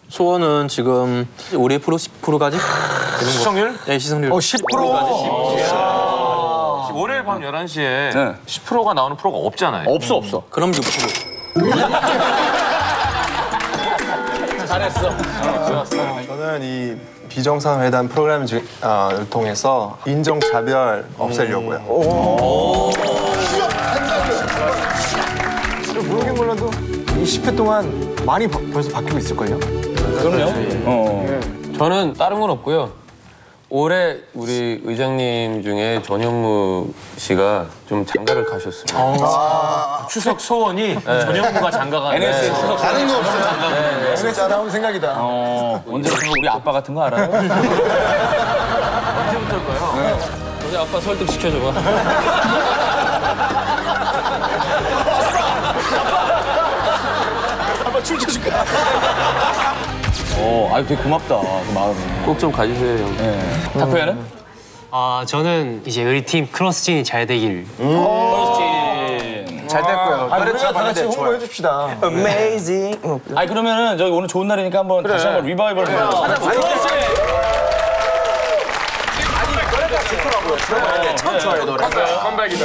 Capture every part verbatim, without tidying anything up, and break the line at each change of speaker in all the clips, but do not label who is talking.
소원은 지금 우리 프로 십 퍼센트까지
시청률?
네, 시청률.
어, 십 퍼센트.
월요일 밤 열한 시에
네.
십 퍼센트가 나오는 프로가 없잖아요.
없어 없어.
그럼 육 퍼센트.
잘했어.
저는 이 비정상회담 프로그램을 어, 통해서 인종차별 없애려고요.
모르긴 몰라도 이 십 회 동안 많이 바, 벌써 바뀌고 있을걸요?
그럼요. 어.
저는 다른 건 없고요. 올해 우리 의장님 중에 전현무 씨가 좀 장가를 가셨습니다.
추석 소원이 전현무가 장가가
엔에스의 추석
다른 거 없어요.
엔에스 나온 생각이다.
어, 언제부터 우리 아빠 같은 거 알아요?
언제부터일까요?
우리 아빠 설득시켜줘봐.
아빠 춤춰줄까? 어, 아 되게 고맙다, 그 마음이.
꼭 좀 가주세요, 형.
네. 타코야는?
아 저는 이제 우리 팀 크로스진이 잘 되길.
그렇지.
잘 됐고요.
아, 우리가 다 같이 홍보해 줍시다.
Amazing.
아니 그러면은 저기 오늘 좋은 날이니까 한번 다시 한번 리바이벌 해요. 그렇지.
참 좋아요, 노래.
컴백이다.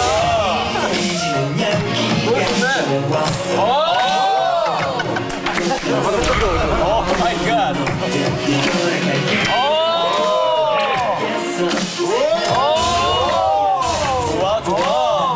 오 마이 갓. 좋아 좋아.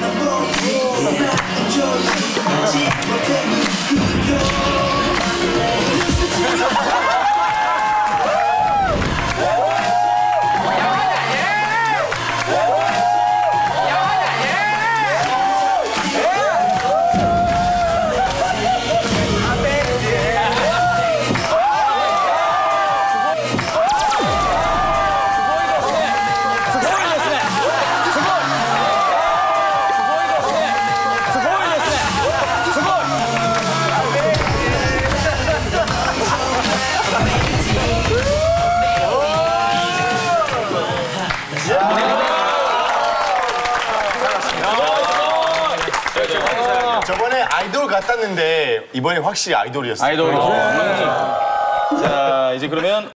저번에 아이돌 같았는데 이번에 확실히 아이돌이었어요.
아이돌. 자 이제 그러면